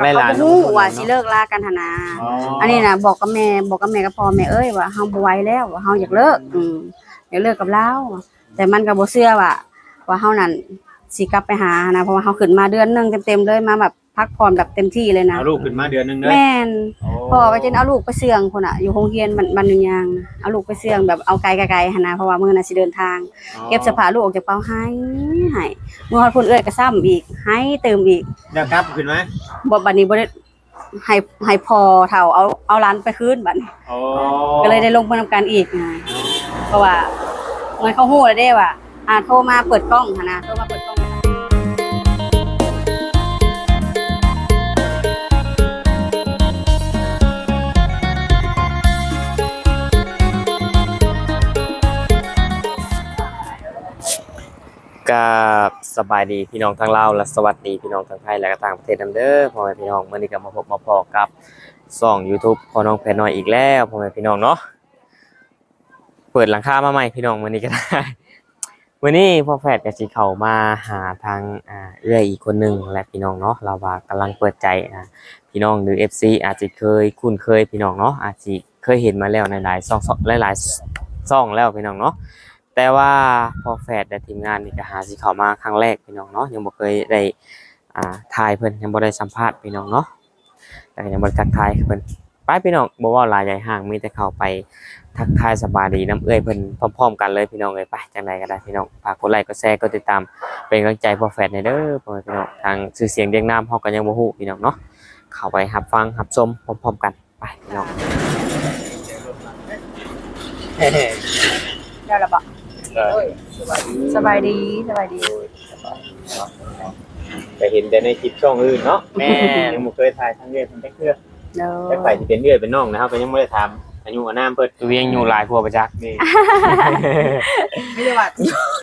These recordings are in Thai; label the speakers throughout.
Speaker 1: ไล่หลาน
Speaker 2: ฮู้ว่าสิเลิกลากันหั่นนะอันนี้น่ะบอกกับแม่กับพ่อแม่เอ้ยว่าเฮาบ่ไหวแล้วว่าเฮาอยากเลิกอยากเลิกกับเราแต่มันก็บ่เชื่อว่าเฮานั่นสิกลับไปหานะเพราะว่าเฮาขึ้นมาเดือนนึงเต็มๆเลยมาแบบพักผ่อนแบบเต็มที่เลยนะ
Speaker 1: เอาลูกขึ้นมาเดือนนึงเด้อ
Speaker 2: แม่นพ่อก็จะเอาลูกไปเสื่องพุ่นน่ะอยู่โรงเรียนบ้านยางเอาลูกไปเสื่องแบบเอาไกลๆหั่นนะเพราะว่ามื้อน่ะสิเดินทางเก็บเสื้อผ้าลูกออกจากเป๋าให้มื้อฮอดพุ่นเอ้ยก็ซ้ำอีกให้เติมอีก
Speaker 1: แล้วกลับขึ้นมา
Speaker 2: บ่บัดนี้บ่ได้ให้พ่อเฒ่าเอาหลานไปคืนบัดนี้
Speaker 1: อ๋อ
Speaker 2: ก็เลยได้ลงมาทำการอีกนะเพราะว่าเหมือนเขาฮู้แล้วเด้ว่าโทรมาเปิดกล้องหั่นนะโทรมาเปิดกล้อง
Speaker 3: กับสบายดีพี่น้องทั้งลาวและสวัสดีพี่น้องทั้งไทยและก็ต่างประเทศนำเด้อพ่อแม่พี่น้องมื้อนี้ก็มาพบมาพอกับช่อง YouTube พ่อน้องแพรน้อยอีกแล้วพ่อแม่พี่น้องเนาะเปิดหลังคามาใหม่พี่น้องมื้อนี้ก็ได้ มื้อนี้พ่อแฝดก็สิเข้ามาหาทางเอื้อยอีกคนหนึงและพี่น้องเนาะเราว่ากำลังเปิดใจพี่น้องหรือ FC อาจจะเคยคุ้นเคยพี่น้องเนาะอาจสิเคยเห็นมาแล้วในหลายช่องหลายๆช่องแล้วพี่น้องเนาะแต่ว่าพอแฟดและทีมงานนี่ก็หาสิเข้ามาครั้งแรกพี่น้องเนาะยังบ่เคยได้ถ่ายเพิ่นยังบ่ได้สัมภาษณ์พี่น้องเนาะแต่ก็ยังบ่ได้ทักทายเพิ่นไปพี่น้องบ่เว้าหลายใหญ่ห่างมีแต่เข้าไปทักทายสบายดีน้ำเอื้อยเพิ่นพร้อมๆกันเลยพี่น้องเอ้ยไปจังไดก็ได้พี่น้องฝากกดไลค์กดแชร์กดติดตามเป็นกำลังใจพอแฟดให้เด้อพ่อแม่พี่น้องทางชื่อเสียงเรียงนามเฮาก็ยังบ่ฮู้พี่น้องเนาะเข้าไปรับฟังรับชมพร้อมๆกันไปพี่น้อง
Speaker 2: ได้แล้วบ่สบายดี
Speaker 1: ก็เห็นแต่ในคลิปช่องอื่นเนาะแม่ยังบ่เคยถ่ายทางเอื้อยเพิ่นจักเทื่อ
Speaker 2: เด้อ
Speaker 1: จักไปสิเป็นเอื้อยเป็นน้องนะครับก็ยังบ่ได้ถามอายุอานามเพิ่น
Speaker 3: ตัวเองอยู่หลายพัวประจักษ์
Speaker 1: นี่
Speaker 4: ไม่ได้ว่า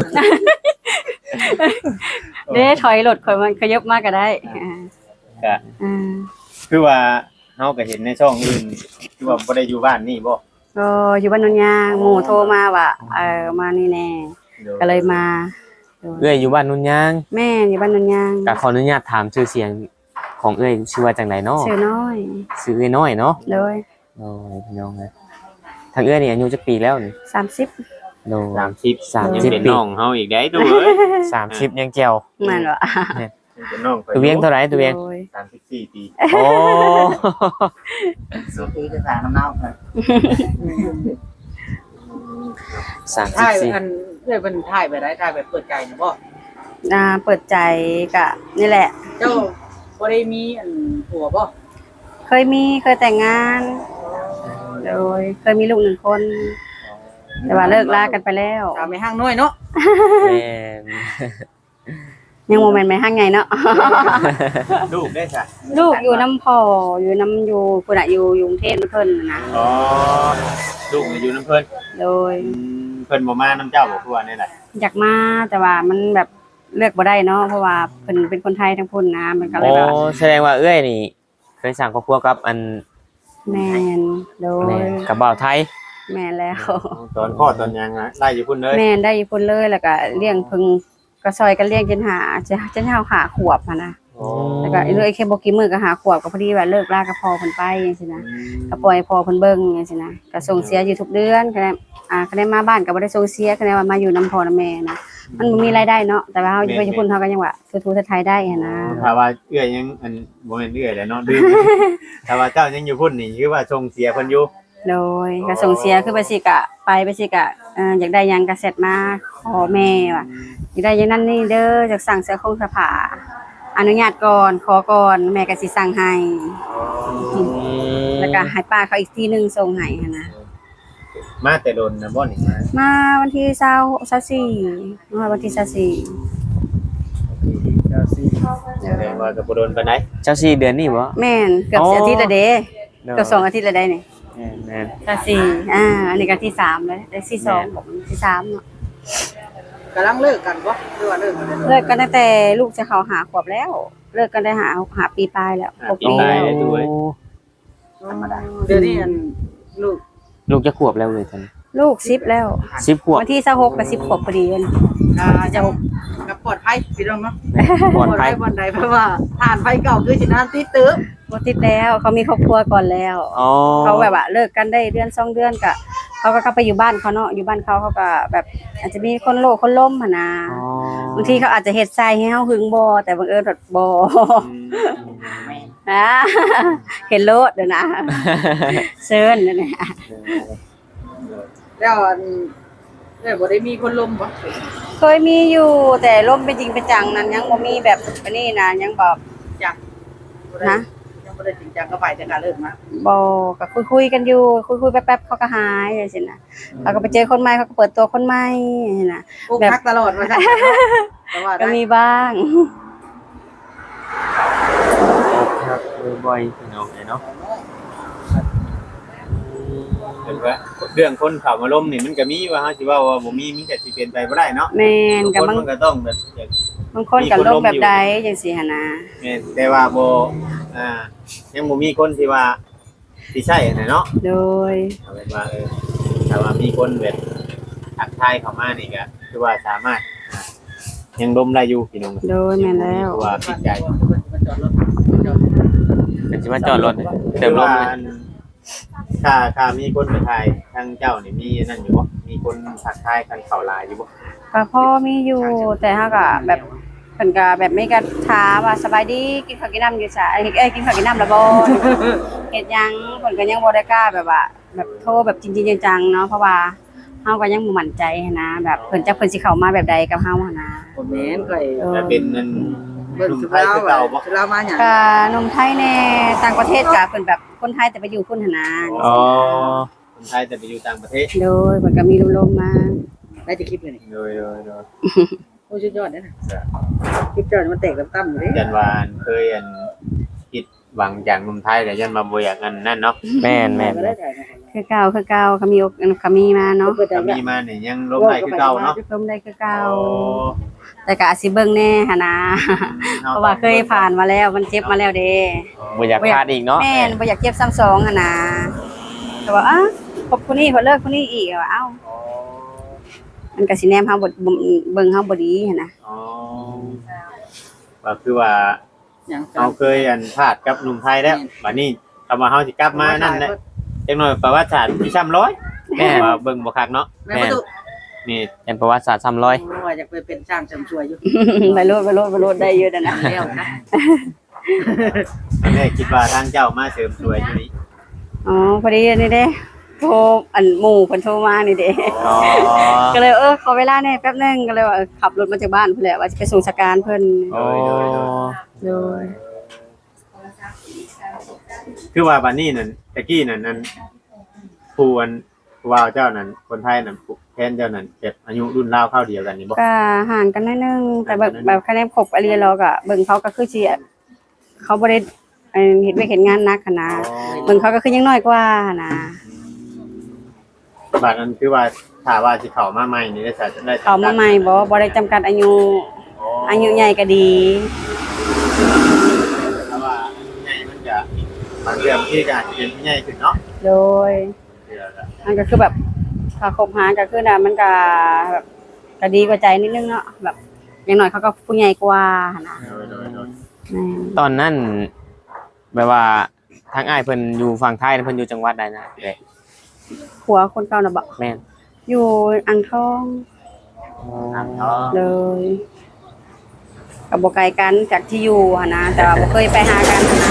Speaker 2: เด้ถอยรถข่อยมันขยับมาก็ได้
Speaker 1: ก็
Speaker 2: อ่า
Speaker 1: คือว่าเฮาก็เห็นในช่องอื่นคือว่าบ่ได้อยู่บ้านนี่บ่
Speaker 2: ก็อยู่บ้านนนยางหมู่โทรมาว่ามานี่แน่ก็เลยมา
Speaker 3: เอื้อยอยู่บ้านนุ่นยาง
Speaker 2: แม่อยู่บ้านนนยาง
Speaker 3: ก็ขออนุญาตถามชื่อเสียงของเอื้อยชื่อว่าจังไดเนาะ
Speaker 2: ชื่อน้อย
Speaker 3: ชื่อเอื้อยน้อยเนาะ
Speaker 2: เลย
Speaker 3: โอ้ยพี่น้องเอ้ยทางเอื้อยนี่อายุจักปีแล้วนี่
Speaker 2: 30
Speaker 3: โด
Speaker 1: 30ยังเป็น
Speaker 3: ปี
Speaker 1: น้องเฮาอีกได้ดูเอ้ย
Speaker 3: 30ยังแจ๋ว
Speaker 2: แม่นบ่
Speaker 1: ยังเป็นน้อง
Speaker 3: ตัวเวียงเท่าไหร่ตัวเวียง
Speaker 2: โดย
Speaker 1: 34ปี
Speaker 3: โอ้
Speaker 4: สุดที่จะสารน้ำเน่าครับ
Speaker 3: 34
Speaker 4: ถ่ายอันเพื่อนเป็นถ่ายไปได้ถ่ายไปเปิดใจนะพ่อ
Speaker 2: เปิดใจก็นี่แหละ
Speaker 4: เจ้าบ่ได้มีอันผัวบ่
Speaker 2: เคยแต่งงาน โดยเคยมีลูก1 คน แต่ว่าเลิกลากันไปแล้ว
Speaker 4: ตามไปห้างน้อยเนาะ
Speaker 3: แม่น
Speaker 2: ยังโมเมนต์ไม่ห่างไงเนาะ
Speaker 1: ลูกได้จ้ะ
Speaker 2: ลูกอยู่น้ำพ่ออยู่น้ำอยู่พุ่นน่ะอยู่กรุงเทพเพิ่นน่ะนะ
Speaker 1: อ๋อลูกอยู่น้ำเพิ่น
Speaker 2: โดย
Speaker 1: เพิ่นบ่มาน้ำเจ้าบ่คือว่าแนี่แหละ
Speaker 2: อยากมาแต่ว่ามันแบบเลือกบ่ได้เนาะเพราะว่าเพิ่นเป็นคนไทยทั้งพุ่นนะมันก็เลย
Speaker 3: โอ้
Speaker 2: แบบ
Speaker 3: แสดงว่าเอื้อยนี่เคยสร้างครอบครัวกับอัน
Speaker 2: แม่นโดย
Speaker 3: แม่นกับบ่าวไทย
Speaker 2: แม่นแล้ว
Speaker 1: ตอนพ่อตอนยังฮะไล่อยู่พุ่นเลย
Speaker 2: แม่นได้อยู่พุ่นเลยแล้วก็เลี้ยงเพิ่งก็ซอยกันเลี้ยงจนเฮาหาขวบหันนะ
Speaker 1: โอ้
Speaker 2: แล้วก็อีเลยแค่บ่กี่มื้อก็หาขวบก็พอดีว่าเลิกลากับพ่อเพิ่นไปจังซี่นะก็ปล่อยให้พ่อเพิ่นเบิ่งจังซี่นะก็ส่งเสียอยู่ทุกเดือนก็ได้ก็ได้มาบ้านก็บ่ได้ส่งเสียก็ได้ว่ามาอยู่นํพ่อนํแม่นะมันบ่มีรายได้เนาะแต่ว่าเฮาอยู่ไปญี่ปุ่นเฮาก็ยังว่าทูๆไทยได้หันนะ
Speaker 1: ถ้าว่าเอื้อยยังอันบ่แม่นเอื้อยแหละเนาะดื้อ ถ้าว่าเจ้ายังอยู่พุ่นนี่คือว่าส่งเสียเพิ่นอยู่
Speaker 2: โดยก็ส่งเสียคือไปสิกะอยากได้หยังก็เสร็จมาขอแม่ว่าอยากได้อย่างนั้นนี่เด้ออยากสั่งเสื้อคงเสื้อผ้าอนุญาตก่อนขอก่อนแม่ก็สิสั่งให้แล้วก็ให้ป้าเขาอีกทีนึงส่งให้หันนะ
Speaker 1: มาแต่โดนนะบ่นี่มา
Speaker 2: มาวันที่24มาวันที่
Speaker 1: แสดงว่าก็บ่โดนปานใด
Speaker 3: เจ้าสี่เดือนนี่บ่
Speaker 2: 24แม่นเกือบอาทิตย์ละเด้เกือบ2 อาทิตย์ละได้นี่
Speaker 3: แม่น
Speaker 2: 24อันนี้ก็ที่3แล้วได้ที่2ผมที่3เนาะ
Speaker 4: กำลังเลิกกันบ่หรือว่าเลิกกันแล้ว
Speaker 2: เลิกกันตั้งแต่ลูกจะเข้าหาขวบแล้ว เลิกกันได้หาปีปลายแล้ว6 ปีแล้ว
Speaker 3: โอ้
Speaker 4: ธรรมดาเดี๋ยวนี้อันลูก
Speaker 3: ลูกจะขวบแล้วเลยตอนนี้
Speaker 2: ลูก10แล้ว
Speaker 3: 10ขวบ
Speaker 2: วันที่26กับ10 ขวบพอดีเลย
Speaker 4: จะกับปลอดภัยพี่น้องเนาะ
Speaker 3: ปลอดภัย
Speaker 4: บ่อนใดเพราะว่าทานไฟเก่าคือสินานติดตึ๊บ
Speaker 2: บ่ติดแล้วเขามีครอบครัวก่อนแล้ว
Speaker 3: อ๋อ
Speaker 2: เขาแบบว่าเลิกกันได้เดือน2เดือนก็เขาก็กลับไปอยู่บ้านเขาเนาะอยู่บ้านเขาก็แบบอาจจะมีคนโลกคนล้มหั่นนะ
Speaker 3: อ๋อบ
Speaker 2: างทีเขาอาจจะเฮ็ดใส่ให้เฮาหึงบ่แต่บังเอิญแบบบ่ อ่าเห็นโลดเด้อนะเซิร์นนั่นแหละ
Speaker 4: แล้วอันบ่ได้มีคนลมบ่
Speaker 2: เคยมีอยู่แต่ล่มเป็นจริงเป็นจังนั้นยังบ่มีแบบอันนี้นะยังบอก
Speaker 4: จัก
Speaker 2: นะ
Speaker 4: ยังบ่ได้จริงจังก็ไปแต่การเลิกมา
Speaker 2: บ่ก็คุยๆกันอยู่คุยๆแป๊บๆเขาก็หายจังซี่นะเขาก็ไปเจอคนใหม่เขาก็เปิดตัวคนใหม่นะ
Speaker 4: พวกพักตลอดว่าซั่นแต่ว่า
Speaker 2: ก็
Speaker 4: ได้
Speaker 2: มีบ้าง
Speaker 3: ครับบ่อยๆพี่น้องเนาะ
Speaker 1: เห็นว่าเรื่องคนเข้ามาล้มนี่มันก็มีว่าเฮาสิว่าบ่มีมันก็สิเป็นไปบ่ได้เนาะ
Speaker 2: แม่นก็
Speaker 1: คน
Speaker 2: บาง
Speaker 1: มันก็ต้องแบบอยาก
Speaker 2: บางคนก็ลงแบบใดจังซี่หั่นนะ
Speaker 1: แม่นแต่ว่าบ่ยังบ่มีคนที่ว่าสิใช่น่ะเนาะ
Speaker 2: โดย
Speaker 1: เอาเป็นว่าถ้าว่ามีคนแบบทักทายเข้ามานี่ก็คือว่าสามารถยังล้มได้อยู่พี่น้อง
Speaker 2: โดยแม่นแล้ว
Speaker 1: ว่าผิดใจ
Speaker 4: จอดรถจอด
Speaker 3: เป็นสิมาจอดรถเติมลมเลย
Speaker 1: ถ้ามีคนมาทายทางเจ้านี่มีนั่นอยู่บ่มีคนทักทายกันเข้าไลน์อยู่บ่
Speaker 2: ก็พอมีอยู่แต่เฮาก็แบบเพิ่นก็แบบไม่กระถามว่าสบายดีกินข้าวกินน้ำอยู่ซะกินข้าวกินน้ำแล้วบ่ เฮ็ดหยังเพิ่นก็ยังบ่ได้กล้าแบบว่า แบบโทรแบบจริงๆจังๆเนาะเพราะว่าเฮาก็ยังบ่มั่นใจหั้นนะแบบเพิ่นสิเข้ามาแบบใดกับเฮาหั้นนะ
Speaker 4: บ่แม่นก็
Speaker 1: แต่เป็นนั่น
Speaker 4: เบิ่ง
Speaker 1: หนุ่ม
Speaker 4: สุ
Speaker 1: ไทยคือเก่าบ่
Speaker 4: สุรามาหยัง
Speaker 2: ก็หนมไทยแน่ต่างประเทศก็เพิ่นแบบคนไทยแต่ไปอยู่พุ่นหั้นนะ
Speaker 3: อ๋อ
Speaker 1: คนไทยแต่ไปอยู่ต่างประเทศ
Speaker 2: โดยเพิ่นก็มีลมๆมา
Speaker 4: ได้จะคลิปเลยนี่
Speaker 1: โดย
Speaker 4: โอ้สุดยอดเด้อนะคลิปจอดมันแตกต่ำๆอยู่เด้
Speaker 1: ยันวานเคยคิดหวังจากหนุ่มไทยแต่ยันมาบ่อยากกันนั่นเนาะ
Speaker 3: แม่น
Speaker 4: ก็ได้ถ่ายมา
Speaker 2: คือเก่าเขามีมาเนาะ
Speaker 1: ถ้ามีมานี่ยังล้มได้คือเก่าเนาะ
Speaker 2: ลมได้คือเก่าแต่ก็อาจสิเบิ่งแน่หันนะเพราะว่าเคยผ่านมาแล้วมันเจ็บมาแล้วเด้
Speaker 3: บ่อยากพลาดอีกเนาะ
Speaker 2: แม่นบ่อยากเจ็บซ้ำสองหันนะแต่ว่าคบคนนี้พอเลิกคนนี้อีกว่ามันก็สิแนมเฮาบ่เบิ่งเฮาบ่ดีหันนะ
Speaker 1: อ๋อว่าคือว่า
Speaker 4: หยัง
Speaker 1: เราเคยพลาดกับหนุ่มไทยแล้วบัดนี้คำว่าเฮาสิกลับมานั่นแหละจังหน่อยประวัติศาสตร์มีช้ำร้อย
Speaker 3: แม่น
Speaker 1: ว่าเบิ่งบ่คักเนาะ
Speaker 4: แม่ประตู
Speaker 1: นี่
Speaker 3: เป็นประวัติศาสตร์300
Speaker 4: ว่าอยากไปเป็นช่างเสริมสวยอยู่
Speaker 2: ไปโลดได้เยอะนะ
Speaker 4: แล้วนะ
Speaker 1: ตอนแรกคิดว่าทางเจ้ามาเสริมสวยอยู่นี่
Speaker 2: อ๋อพอดีนี่เด้โทรอันหมู่เพิ่นโทรมานี่เด้
Speaker 3: อ๋อ
Speaker 2: ก็เลยขอเวลาหน่อยแป๊บนึงก็เลยว่าขับรถมาจากบ้านเพิ่นแหละว่าจะไปส่งสการเพิ่น
Speaker 3: โอ้
Speaker 2: โดย
Speaker 1: คือว่าบัดนี้นั่นตะกี้นั่นผู้ว่าวเจ้านั่นคนไทยนั่นแทนเจ้านั่นเก็บอายุรุ่นราวเข้าเดียวกันนี่บ่
Speaker 2: ก็ห่างกันนิดนึงแต่แบบคะแนนครบอะไรเราก็เบิ่งเขาก็คือสิเขาบ่ได้เฮ็ดเวยกเฮ็ดงานหนักหันนะเบิ่งเขาก็คือยังน้อยกว่าหันนะ
Speaker 1: บัดนั้นคือว่าถ้าว่าสิเข้ามาใหม่นี่ได้ได้
Speaker 2: เขามาใหม่บ่ได้จำกัดอายุใหญ่ก็ดี
Speaker 1: ถ้าว่าใหญ่มันจะบางเรื่องที่ก็อาจจะเป็นใหญ่ขึ้นเนาะ
Speaker 2: โดยมันก็คือแบบถ้าคบหาก็คือน่ะมันก็แบบก็ดีกว่าใจนิดนึงเนาะแบบอย่างน้อยเขาก็ผู้ใหญ่กว่าหั่นนะแม่น
Speaker 3: ตอนนั้นแบบว่าทางอ้ายเพิ่นอยู่ฝั่งไทยเพิ่นอยู่จังหวัดใดนะเด้
Speaker 2: ผัวคนเก่าน่ะบ่
Speaker 3: แม่น
Speaker 2: อยู่อ่างทอง
Speaker 1: อ๋อ
Speaker 2: เลยกับบ่ไกลกันจากที่อยู่หั่นนะแต่ว่าบ่เคยไปหากันหั่นนะ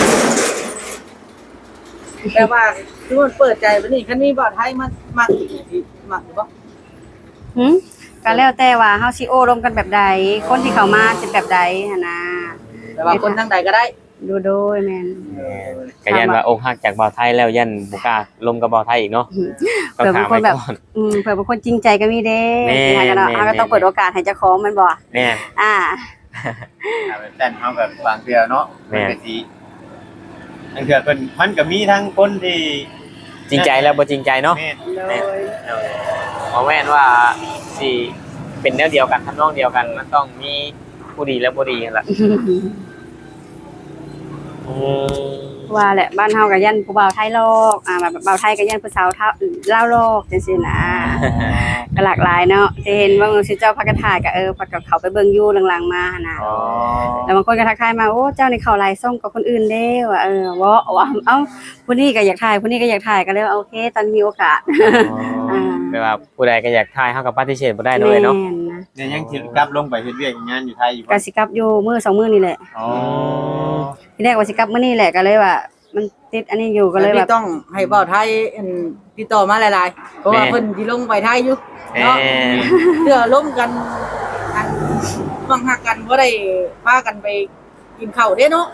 Speaker 4: แต่ว่าคือมันเปิดใจบัดนี้คันนี้บ่ไทยมันมักอีกที่มักอยู่บ่
Speaker 2: หึก็แล้วแต่ว่าเฮาสิโอ้ร่วมกันแบบใดคนที่เข้ามาสิแบบใดหั่นนะ
Speaker 4: แต่ว่าคนทางใดก็ได้
Speaker 2: ดูโดยแม่น
Speaker 3: ก็ยันว่าอกหักจากบ่าวไทยแล้วยันบ่กล้าลมกับบ่าวไทยอีกเนาะต้องถามไว้ก่อน
Speaker 2: เผื่อเป็นคนจริงใจก็มีเด้
Speaker 3: แม่น
Speaker 2: ที่หากันเนาะ
Speaker 3: แม่น
Speaker 2: เฮาก็ต้องเปิดโอกาสให้เจ้าของแมันบ่
Speaker 3: แม่น
Speaker 2: อ่า
Speaker 1: แต่เฮาแบบบางเทื่อเนาะ
Speaker 3: แม่
Speaker 1: มันก็สิบางเทื่อเพิ่นมันก็มีทั้งคนที่
Speaker 3: จริงใจแล้วบ่จริงใจเนาะ
Speaker 1: แม่น
Speaker 2: โดย
Speaker 3: บ่แม่นว่าสิเป็นแนวเดียวกันทำนองเดียวกันมันต้องมีผู้ดีและบ่ดีนั่นแหละ
Speaker 2: ว่าแหละบ้านเฮาก็ยันผู้บ่าวไทยลอกแบบบ่าวไทยก็ยันผู้สาวลาวลอกจังซี่นะก็หลากหลายเนาะที่เห็นว่าสิเจ้าพักกะถ่ายก็พักกับเขาไปเบิ่งอยู่หลังๆมาหั่นน่ะ
Speaker 1: อ๋อ
Speaker 2: แล้วบางคนก็ทักทายมาโอ้เจ้านี่เข้าหลายส่งกับคนอื่นเด้ว่าว่าเอ้าผู้นี้ก็อยากถ่ายผู้นี้ก็อยากถ่ายก็เลยโอเคตอนมีโอกาส
Speaker 3: แปลว่าผู้ใดก็อยากทายเฮาก็ปฏิเสธบ่ได้เลยเนาะ
Speaker 2: แม่นะ
Speaker 1: เนี่ยยังสิกลับลงไปเฮ็ดเวียกงานอยู่ไทยอยู่
Speaker 2: ก็สิกลับอยู่มื้อ2มื้อนี่แหละ
Speaker 1: อ๋อ
Speaker 2: ทีแรกว่าสิกลับมื้อนี้แหละก็เลยว่ามันติดอันนี้อยู่ก็เลยแบบ
Speaker 4: พี่ต้องให้เว้าไทยติดต่อมาหลายๆเพราะว่าเพิ่นสิลงไปไทยอยู่เนาะเพื่อร่วมกันฟังหักกันบ่ได้พากันไปกินข้าวเด้เนาะ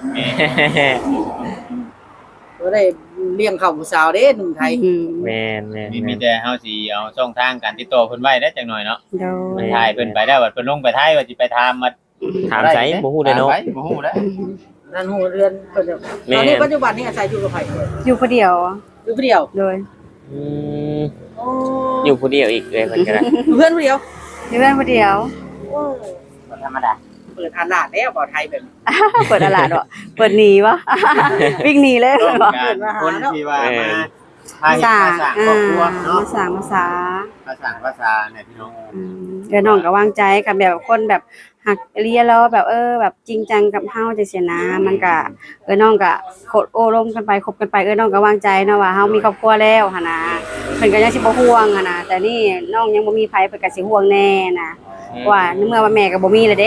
Speaker 4: บ่ได้เลี้ยงข้าวผู้สาวเด้หนุ่มไทย
Speaker 3: แม่นแม่น
Speaker 1: มีแต่เฮาสิเอาช่องทางการติดต่อเพิ่นไว้ได้จังหน่อยเนาะ
Speaker 2: โดย
Speaker 1: มันถ่ายเพิ่นไปได้ว่าเพิ่นลงไปไทยว่าสิไปถามมา
Speaker 3: ถามใจบ่ฮู้เลยเนาะ
Speaker 1: ถมไปบ่ฮู้แล้ว
Speaker 4: นั่นฮู้เรือนเพิ่นตอนนี้ปัจจุบันนี้อาศัยอยู่กับไผ
Speaker 2: อยู่คนเดียว
Speaker 4: อยู่ผู้เดียว
Speaker 2: โดย
Speaker 3: อืมอยู่ผู้เดียวอีกเลยเพิ่นก็ได้
Speaker 4: อยู่เพื่อนผู้เดียว
Speaker 2: อยู่เพื่อนคนเดียว
Speaker 4: โอ้บ่ธรรมดาเปิดอาหลาดแล้วบ่ไทยแบบนี้
Speaker 2: เปิดตลาดวะเปิดหนีวะ วิ่งหนีเลย
Speaker 1: ต้อง
Speaker 2: วะ
Speaker 1: การคนที่ว่ามาพา
Speaker 2: มา
Speaker 1: เฮ็ด
Speaker 2: สร้าง
Speaker 1: ภาษาครอบครัวเนาะ
Speaker 2: มาสร้างภาษา
Speaker 1: ภาษาเนี่ยพี่น้อง
Speaker 2: เดี๋ยวน้องก็วางใจกับแบบคนแบบหักเรียนแล้วแบบแบบจริงจังกับเฮาจังซี่นะมันก็น้องก็โคดโอ้ร่มกันไปคบกันไปน้องก็วางใจเนาะว่าเฮามีครอบครัวแล้วหั่นนะเพิ่นก็ยังสิบ่ห่วงหั่นนะแต่นี่น้องยังบ่มีไผเพิ่นก็สิห่วงแน่นะว่าในเมื่อว่าแม่ก็บ่มีเลยเด้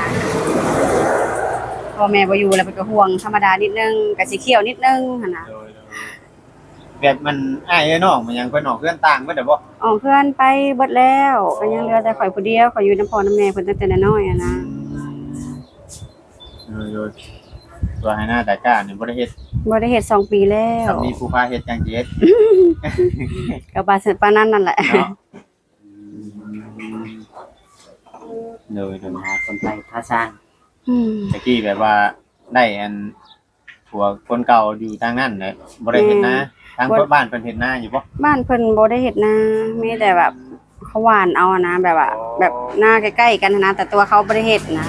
Speaker 2: พอแม่บ่อยู่แล้วเพิ่นก็ห่วงธรรมดานิดนึงก็สิเคี่ยวนิดนึงหั่นนะ
Speaker 1: แบบมันอ้ายเอ้ยน้องมันยังเพิ่นออกเพื่อนต่างเบิดได้บ่
Speaker 2: อ๋อเพื่อนไปเบิดแล้วก็ยังเหลือแต่ข่อยผู้เดียวข่อยอยู่นำพ่อนำแม่เพิ่นตั้งแต่น้อยๆอะนะ
Speaker 1: ตัวให้หน้าตากล้าเนี่ยบ่ได้เฮ็ด
Speaker 2: บ่ได้เฮ็ด2ปีแล้ว
Speaker 1: ถ้ามีผู้พาเฮ็ดจังสิเฮ็ด
Speaker 2: ก็บาสิปานนั้นนั่นแหละ
Speaker 1: เนาะเลย
Speaker 5: หาคนไทยพาสร้าง
Speaker 1: ตะกี้แบบว่าได้อันผัวคนเก่าอยู่ทางนั้นแหละบ่ได้เฮ็ดนะทางบ้านเพิ่นเฮ็ดนาอยู่บ่
Speaker 2: บ้านเพิ่นบ่ได้เฮ็ดนามีแต่แบบเขาหว่านเอาอะนะแบบว่าแบบหน้าใกล้ๆกันนะแต่ตัวเขาบ่ได้เฮ็ดนะ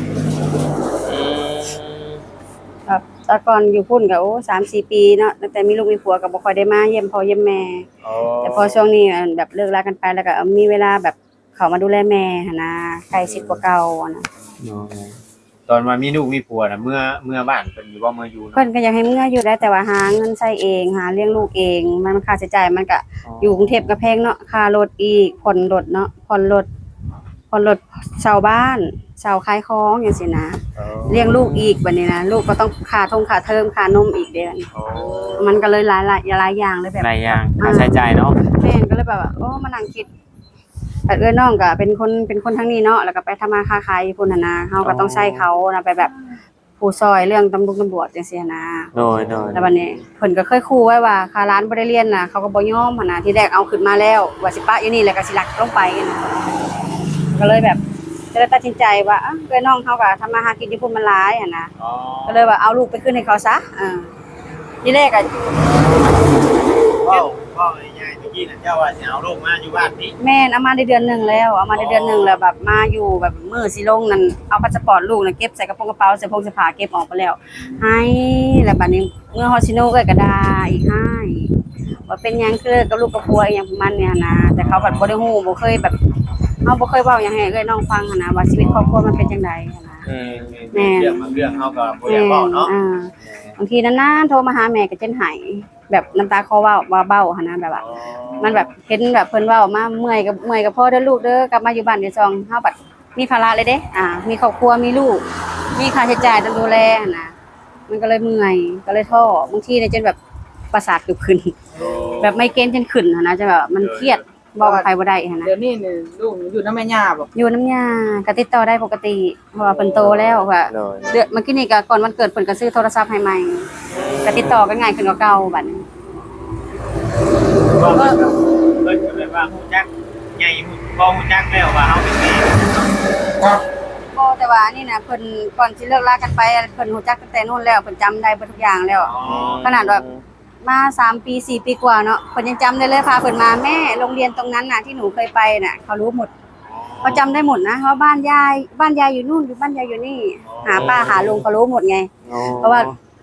Speaker 2: แบบแต่ก่อนอยู่พุ่นก็โอ้3-4 ปีเนาะตั้งแต่มีลูกมีผัวก็บ่ค่อยได้มาเยี่ยมพ่อเยี่ยมแม่ แต่พอช่วงนี้แบบเลิกลากันไปแล้วก็มีเวลาแบบเขามาดูแลแม่หั่นนะใกล้ชิดกว่าเก่าอะนะ
Speaker 1: ตอนมามีลูกมีผัวน่ะเมื่อบ้านเพิ่นอยู่บ่เมื่ออยู่
Speaker 2: เพิ่นก็อยากให้เมื่ออยู่ได้แต่ว่าหาเงินใช้เองหาเลี้ยงลูกเองมันค่าใช้จ่ายมันก็อยู่กรุงเทพก็แพงเนาะค่ารถอีกผ่อนรถเนาะผ่อนรถเช่าบ้านเช่าขายของจังซี่นะเลี้ยงลูกอีกบัดนี้นะลูกก็ต้องค่าเทอมค่านมอีกเด้อมันก็เลยหลายอย่างเลยแบบ
Speaker 3: หลายอย่างค่าใช้จ่ายเนาะ
Speaker 2: แม่นก็เลยแบบว่าโอ้มานั่งคิดแต่น้องก็เป็นคนทางนี้เนาะแล้วก็ไปทำมาค้าขายอยู่พุ่นน่ะนะเฮาก็ต้องใช้เขานะไปแบบผู้ซอยเรื่องตำรวจจังซี่นะ
Speaker 3: โดย
Speaker 2: แล้วบัดนี้เพิ่นก็เคยขู่ไว้ว่าค่าร้านบ่ได้เรียนน่ะเขาก็บ่ยอมหั่นน่ะที่แรกเอาขึ้นมาแล้วว่าสิปะอยู่นี่แล้วก็สิลักลงไปนะก็เลยแบบก็เลยตัดสินใจว่าน้องเฮาก็ทำมาหากินที่พุ่นมันหลายหั่นนะก็เลยว่าเอาลูกไปขึ้นให้เขาซะที่แรกก็
Speaker 1: ว้าวง่ายๆตะกี้น่ะเจ้าว่าสิเอาลูกมาอยู่บ้านนี้
Speaker 2: แม่นเอามาได้เดือนหนึงแล้วเอามาได้เดือนหนึงแล้วแบบมาอยู่แบบมื้อสิลงนั่นเอาพาสปอร์ตลูกน่ะเก็บใส่กระเป๋าเสื้อผ้าเก็บออกไปแล้วให้แล้วบัดนี้เมื่อฮอดซิโนก็ด่าอีกให้ว่าเป็นหยังคือกับลูกกับผัวอีหยังประมาณเนี้ยนะแต่เขาแบบบ่ได้ฮู้บ่เคยแบบเฮาบ่เคยเว้าหยังให้น้องฟังหั่นนะว่าชีวิตครอบครัวมันเป็นจังไดหั่นนะ แม่
Speaker 1: เรื่องบางเรื่องเฮาก็บ่ได้เว้าเนาะ
Speaker 2: บางทีนานๆโทรมาหาแม่ก็จนหายแบบน้ำตาคลอเว้าว่าเบ้าหั่นนะแบบว่ามันแบบเห็นแบบเพิ่นเว้ามาเมื่อยกับพ่อเด้อลูกเด้อกลับมาอยู่บ้านเดี๋ยวซองเฮาบัดมีภาระเลยเด้มีครอบครัวมีลูกมีค่าใช้จ่ายต้องดูแลหั่นนะมันก็เลยเมื่อยก็เลยท้อบางทีเนี่ยจนแบบประสาทเกือบขึ้นแบบไมเกรนจนขึ้นหั่นนะจะแบบมันเครียดบอกกับใครบ่ได้หั่นนะ
Speaker 4: เดี๋ยวนี้นี่ลูกอยู่นำแม่ย่าบ่
Speaker 2: อยู่น้ำยาก็ติดต่อได้ปกติเพราะว่าเพิ่นโตแล้วค่ะ
Speaker 3: โดย
Speaker 2: เดือนเมื่อกี้นี่ก็ก่อนวันเกิดเพิ่นก็ซื้อโทรศัพท์ให้ใหม่ก็ติดต่อกันง่ายขึ้นกว่าเก่าบัดนี้
Speaker 1: ก็เพิ่นก็แบบว่าฮู้จักใหญ่บ่ฮู้จักแล้วว่าเฮาเป็นแม่
Speaker 2: บ่แต่ว่านี่นะเพิ่นก่อนสิเลิกลากันไปเพิ่นรู้จักตั้งแต่นู้นแล้วเพิ่นจำได้เบิดทุกอย่างแล้ว ขนาดแบบมา3ปี4ปีกว่าเนาะเพิ่นยังจำได้เลยพาเพิ่นมาแม่โรงเรียนตรงนั้นน่ะที่หนูเคยไปน่ะเขารู้หมดเขาจำได้หมดนะว่าบ้านยายอยู่นู่นอยู่บ้านยายอยู่นี่หาป้าหาลุงเขารู้หมดไงเพราะว่า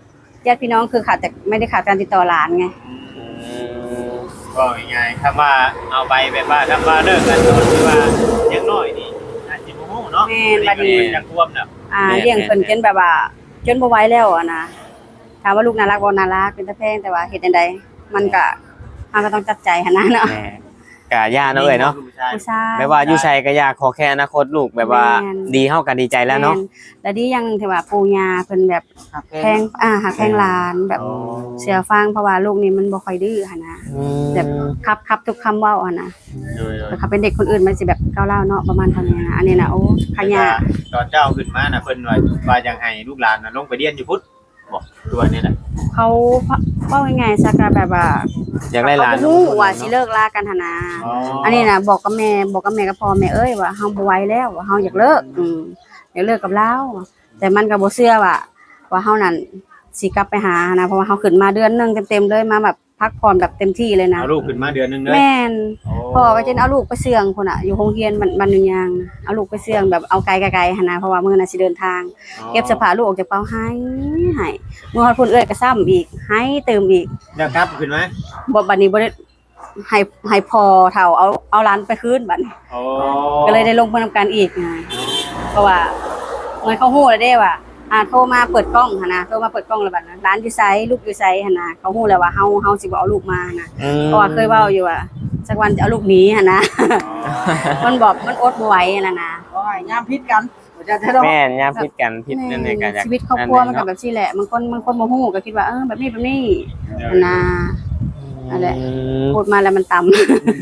Speaker 2: ญาติพี่น้องคือขาดแต่ไม่ได้ขาดการติดต่อหลานไง
Speaker 1: ก็ง่ายๆคำว่าเอาไปแบบว่าคำว่าเลิกกันโดนคือว่ายังน้อยนี่อาจจะบ่ฮู้เนาะ
Speaker 2: แม่นบัดนี้
Speaker 1: มันยังท่วมน่ะ
Speaker 2: เลี้ยงเพิ่นจนแบบว่าจนบ่ไหวแล้วอะนะถามว่าลูกน่ารักบ่น่ารักเป็นตาแพงแต่ว่าเฮ็ดจังไดมันก็เราก็ต้องจัดใจหั่นนะเนาะ
Speaker 3: แม่กะย่าเนาะเอ้ยเนาะ
Speaker 2: ผู้ชาย
Speaker 3: แบบว่าอยู่ใส่ก็อยากขอแค่อนาคตลูกแบบว่า
Speaker 2: แม่น
Speaker 3: ดีเฮากันดีใจแล้วเนาะ
Speaker 2: ม่แล้วดีอยังหนึงที่ว่าปู่ย่าเพิ่นแบบ
Speaker 4: หักแพ
Speaker 2: แพงหักแพงหลานแบบเสียฟังเพราะว่าลูกนี่มันบ่ค่อยดื้อหั่นนะ แบบครับทุกคำเว้าหั่นนะ
Speaker 1: โดย
Speaker 2: แต่ถ้าเป็นเด็กคนอื่นมันสิแบบก้าวร้าวเนาะประมาณเท่านี้นะอันนี้นะโอ้ขยะ
Speaker 1: ตอนเจ้าขึ้นมาน่ะเพิ่นว่ายังให้ลูกหลานน่ะลงไปเรียนอยู่พุทธบ่ตัวนี้น่ะ
Speaker 2: เขาเว้าง่ายๆซะก็แบบว่า
Speaker 3: อยากได้หลาน
Speaker 2: เขาบ่รู้ว่าสิเลิกลากันหั่นนะอันนี้นะบอกกับแม่กับพ่อแม่เอ้ยว่าเฮาบ่ไหวแล้วว่าเฮาอยากเลิกอยากเลิกกับเราแต่มันก็บ่เชื่อว่าเฮานั่นสิกลับไปหานะเพราะว่าเฮาขึ้นมาเดือนหนึงเต็มๆเลยมาแบบพักผ่อนแบบเต็มที่เลยนะ
Speaker 1: เอาลูกขึ้นมาเดือนนึงเลย
Speaker 2: แม่นพ่อก็จะเอาลูกไปเสื่องพุ่นน่ะอยู่โรงเรียนบ้านนึงยางนะเอาลูกไปเสื่องแบบเอาไกลๆหั่นนะเพราะว่ามื้อน่ะสิเดินทาง เก็บเสื้อผ้าลูกออกจากเป๋าให้เมื่อฮอดพุ่นเอ้ยก็ซ้ำอีกให้เติมอีก
Speaker 1: แล้วกลับขึ้นมา
Speaker 2: บ่บัดนี้บ่ได้ให้พอเฒ่าเอาหลานไปคืนบัดนี้
Speaker 1: โอ้
Speaker 2: ก็เลยได้ลงไปนำกันอีกไงเพราะว่าเหมือนเขาฮู้แล้วเด้ว่าโทรมาเปิดกล้องหั่นนะโทรมาเปิดกล้องแล้วบัดนั้นร้านอยู่ไสลูกอยู่ไสหั่นนะเขาฮู้แล้วว่าเฮาสิบ่เอาลูกมาหั่นนะเพราะว่าเคยเว้าอยู่ว่าสักวันจะเอาลูกหนีหั่นนะ มันบอกมันอดบ่ไหวนั่นน่ะ
Speaker 4: โอ้ยยามพิษกันบ่จะได้
Speaker 3: แม่นยามผิดกันผิดนั่นเองก็อยาก
Speaker 2: ชีวิตครอบครัวมันก็แบบนี้แหละบางคนบ่ฮู้ก็คิดว่าแบบนี้หั่นนะนั่นแหละพูดมาแล้วมันต่ำ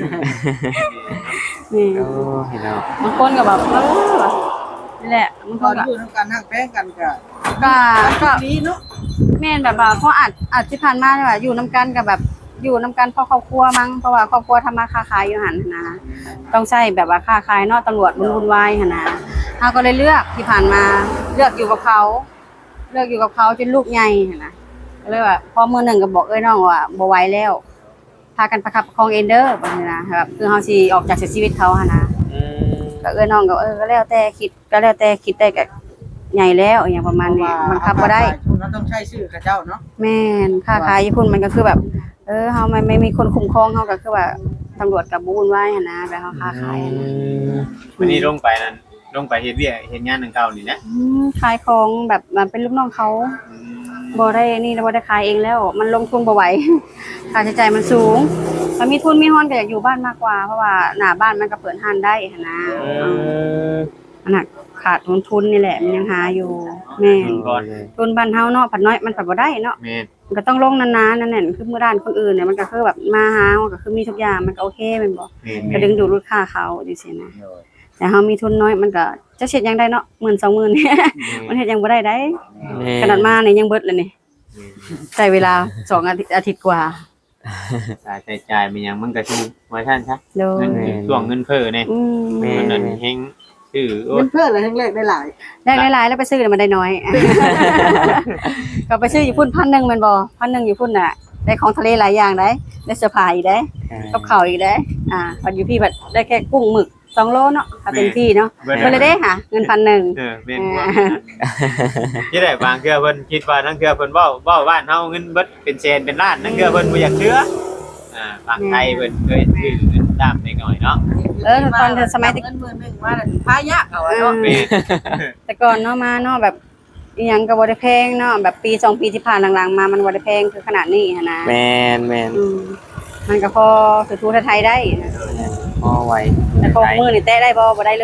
Speaker 2: นี่
Speaker 3: โอ้เห็นแล้ว
Speaker 2: บางคนก็แบบนี่แหละบางค
Speaker 4: ตอน น
Speaker 2: ก็
Speaker 4: อยู่นำกันหักแพงกันก็
Speaker 2: ก็
Speaker 4: ดีเนาะ
Speaker 2: แม่นแบบว่าเขาอาจที่ผ่านมาเนี่ยว่าอยู่น้ำกันกับแบบอยู่น้ำกันเพราะครอบครัวมั้งเพราะว่าครอบครัวทำมาค้าขายอยู่หันนะต้องใช้แบบว่าค้าขายเนาะตำรวจวุ่นวายหันนะเราก็เลยเลือกที่ผ่านมาเลือกอยู่กับเขาจนลูกใหญ่หันนะก็เลยว่าพอมื้อหนึงก็บอกน้องว่าบ่ไหวแล้วพากันประคับประคองเอนเดอร์แบบนี้นะแบบคือเฮาสิออกจากชีวิตเขาหันนะก็น้องก็ก็แล้วแต่คิดได้ก็ใหญ่แล้วอย่างประมาณนี้บังคับบ่ได้
Speaker 4: คุณต้องใช้ชื่อเขาเจ้าเนาะ
Speaker 2: แม่นค้าขายญี่ปุ่นมันก็คือแบบเฮาไม่มีคนคุ้มครองเฮาก็คือว่าตำรวจกับบุญไว้หั่นนะแบบเฮาค้าขายหั่นนะ
Speaker 1: วันนี้ลงไปนั่นลงไปเฮ็ดเวียกเฮ็ดงานนึงเก่านี่นะ
Speaker 2: ขายของแบบมันเป็นลูกน้องเขาบ่ได้นี่บ่ได้ขายเองแล้ว มันลงทุนบ่ไหว ค่าใช้จ่ายมันสูงถ้ามีทุนมีฮ้อนก็อยากอยู่บ้านมากกว่าเพราะว่าหน้าบ้านมันก็เปิดห้านได้หั่นนะมันน่ะขาดทุนนี่แหละมันยังหาอยู่แม่น
Speaker 1: ก่อน
Speaker 2: ทุนบ้านเฮาเนาะผัดน้อยมันผัดบ่ได้เนาะ
Speaker 1: แม่น
Speaker 2: มันก็ต้องลงนานๆนั่นแหละคือมื้อด้านคนอื่นเนี่ยมันก็คือแบบมาหาเฮาก็คือมีทุกอย่างมันก็โอเคแม่นบ่
Speaker 1: แม่น
Speaker 2: ก็ดึงดูดลูกค้าเขาจังซี่นะแต่เฮามีทุนน้อยมันก็จะเฮ็ดหยังได้เนาะ 10,000 20,000 มันเฮ็ดหยังบ่ได้ได้ขนาดมานี่ยังเบิดเลยนี่ใช้เวลา2อาทิตย์กว่า
Speaker 1: ค่าใช้จ่ายมันยังมันก็คือว่าท่านซะ
Speaker 2: โด
Speaker 1: เงิ
Speaker 2: ย
Speaker 1: นช่วงเงินเฟ้อนี่ มันนั่นเฮงชื่อโอ้
Speaker 4: เงินเพิ่นเลยทั้งแรกได้หลาย
Speaker 2: ได้หลายๆแล้วไปซื้อแล้วมันได้น้อย ก็ไปซื้ออยู่พุ่น1,000แม่นบ่1,000อยู่พุ่นน่ะได้ของทะเลหลายอย่างได้เสื้อผ้าอีกได้ กับข้าวอีกได้ปัดอยู่พี่บัดได้แค่กุ้งหมึก2โลเนาะถ้าเต็มที่เนาะเพิ่นเลยเด้ค่ะเงิน1,000
Speaker 1: แม่นว่าที่ได้บางเทื่อเพิ่นคิดว่าทั้งเทื่อเพิ่นเว้าบ้านเฮาเงินเบิดเป็นแสนเป็นล้านทั้งเทื่อเพิ่นบ่อยากเชื่อฝั่งไทยเพิ่นเคยซื้อเงินตามเล็กน้อยเนาะ
Speaker 2: ตอนสมัย
Speaker 4: เงินหมื่นหนึงมาแล้วพายากเอาเนาะ
Speaker 1: แม่น
Speaker 2: แต่ก่อนเนาะมาเนาะแบบอีหยังก็บ่ได้แพงเนาะแบบปี2ปีที่ผ่านหลังๆมามันบ่ได้แพงคือขนาดนี้หันนะ
Speaker 3: แม่น
Speaker 2: มันก็พอคือทูไทยได้นะ
Speaker 3: พอไหว
Speaker 2: แต่พอมื้อนี่แตะได้บ่ได้เลย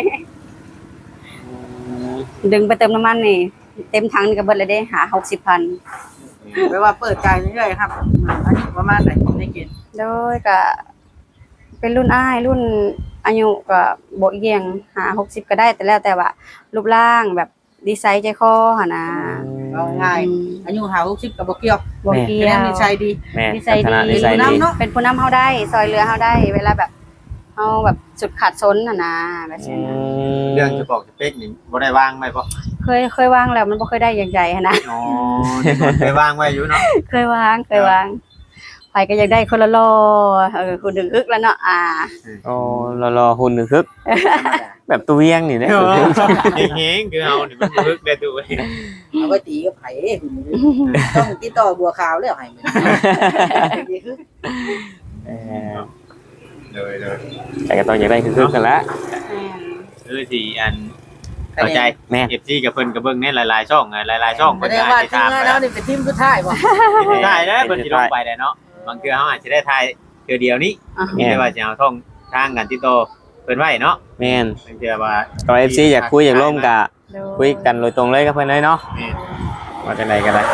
Speaker 2: ดึงไปเติมน้ำมันนี่เต็มถังนี่ก็เบิดเลยเด้หา 60,000
Speaker 4: แปลว่าเปิดใจเรื่อยๆครับอันนี้ประมาณไหนในเกณฑ์
Speaker 2: โดยก็เป็นรุ่นอ้ายรุ่นอายุก็บ่เอียงหา60ก็ได้แต่แล้วแต่ว่ารูปร่างแบบดีไซน์ใจคอหั่นนะ
Speaker 4: เอาง่ายอายุ50ก็บ่เกี่ยว
Speaker 2: บ่เกี่
Speaker 4: แค่
Speaker 2: ย
Speaker 4: นั้น
Speaker 2: ว
Speaker 4: นิสัยดี
Speaker 3: แม่น
Speaker 2: นิสัยดี
Speaker 3: นิสัย
Speaker 4: เป็นผู้
Speaker 3: ดี
Speaker 4: นำเนาะ
Speaker 2: เป็นผู้นำเฮาได้ซอยเรือเฮาได้ เวลาแบบเฮาแบบสุดขาดซนหั่นนะแบบนี้นะ
Speaker 1: เรื่องจะบอกจะเป๊กนี่บ่ได้วางไว้บ่
Speaker 2: เคยวางแล้วมันบ่เคยได้อย่างใหญ่หั่นนะ
Speaker 1: อ๋อเคยวางไว้อยู่เนาะ
Speaker 2: เคยวาง พไปก็อยากได้คนละล้อคุณดึงอึกแล้วเนาะ
Speaker 3: โอ้รอหุ่นหนึ่งคึกแบบตัวเวียงนี่นะ
Speaker 1: เฮงคือเอานี่มันบึกได้ตัว
Speaker 4: เอาไว้ตีกับไผต้องติดต่อบัวขาวแล้วให้มัน
Speaker 1: เลย
Speaker 3: แต่ก็ต้องอยากได้คึกกันละ
Speaker 1: คือสิอันเข้าใจ
Speaker 3: แม่
Speaker 1: FC กับเพิ่นก็เบิ่งในหลายๆช่องหลายๆช่อง
Speaker 4: แส
Speaker 1: เพิ่น
Speaker 4: ด
Speaker 1: ก็
Speaker 4: งว่า
Speaker 1: อาจจะ
Speaker 4: ทีม
Speaker 1: ตาม
Speaker 4: งาน
Speaker 1: ไป
Speaker 4: แล้วนี่เป็นทีมสุดท้ายบ่
Speaker 1: ได้แล้วเพิ่นสิลงไปได้เนาะบางเทื่อเฮาอาจจะได้ทายเทื่อเดียวนี้มีแต่ว่าสิเอาท่องทางกันติดต่อเพิ่นไว้เนาะ
Speaker 3: แม่น
Speaker 1: บางเทื่อว่า
Speaker 3: ก็ FC อยากคุยอยากร่วมกะคุยกันโดยตรงเลยกับเพิ่นเลยเนาะ
Speaker 1: แม่น
Speaker 3: ว่าจังไดก็ได้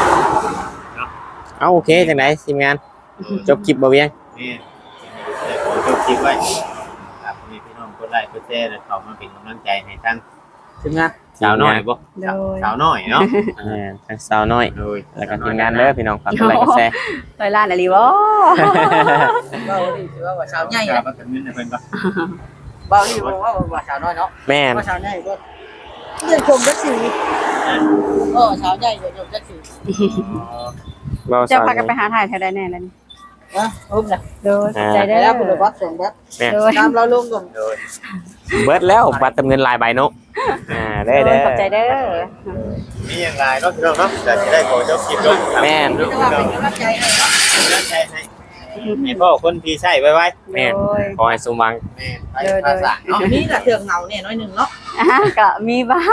Speaker 3: เอาโอเคจังไดทีมงานจบคลิปบ่เวียง
Speaker 1: นี่ขอจบคลิปไว้ครับมีพี่น้องกดไลค์กดแชร์แล้วเข้ามาเป็นกำลังใจให้ทั้ง
Speaker 4: ทีมงาน
Speaker 1: สาวน้อยบ่
Speaker 2: โดย
Speaker 1: สาวน้อยเนาะ
Speaker 3: ทั้งสาวน้อย
Speaker 1: โดย
Speaker 3: แล้วก็ทีมงานเด้อพี่น้องฝากกดไลค์กดแชร์
Speaker 2: ต่อยล้านอะไรวะ
Speaker 4: เว้านี่ถือว่าสาวใหญ่
Speaker 1: ครั
Speaker 4: นะ
Speaker 1: บก็เงินให้เพิ่นบ่
Speaker 4: เว้านี่บอกว่าสาวน้อยเนาะ
Speaker 3: แม่น
Speaker 4: ว่าสาวใหญ่ก็เรียนชมจักสีสาวใหญ่เรียนชมจักสี
Speaker 3: เรา
Speaker 2: จะ
Speaker 3: สาว
Speaker 2: พากันไปหาถ่ายแถวใดแน่แล้วนี่
Speaker 4: นะอุ้มนะ
Speaker 2: โดยใจ
Speaker 4: ได้
Speaker 2: ได้
Speaker 4: แล้วคุณวัดส่งวัด
Speaker 3: แม่น
Speaker 2: โดย
Speaker 4: ตามเราลงก่อน
Speaker 1: โดย
Speaker 3: เบิดแล้วบัตรเติมเงินลายใบเนาะเด้อ
Speaker 2: โด
Speaker 3: เด้
Speaker 2: ย
Speaker 3: อ
Speaker 2: ขอบใจเด้อ
Speaker 1: มีอย่างไรเนาะพี่น้องเนาะจะได้ขอจบคลิปลง
Speaker 3: แม่น
Speaker 4: นี่ก็ว่าเป็นกำลังใจให้เนาะ
Speaker 1: นั่นใจให้พ่อคนที่ใช้ไว้
Speaker 3: แม่น
Speaker 2: โดย
Speaker 3: ขอให้สมหวัง
Speaker 1: แม่ไปภาษา
Speaker 4: เนาะนี่แหละเถื่องเหงาเนี่ยน้อยหนึ่งเนาะ
Speaker 2: ก็มีบ้าง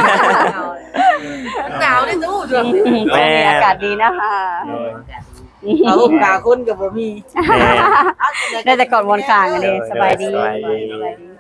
Speaker 4: หนาวได้ตู้ช่วง
Speaker 2: มีอากาศดีนะคะ
Speaker 4: เอากาคนกับบ่มี
Speaker 3: แม่น
Speaker 2: ได้แต่ก่อนวนกลางกันเลยสบายดี
Speaker 3: สบายดี
Speaker 2: สบายดี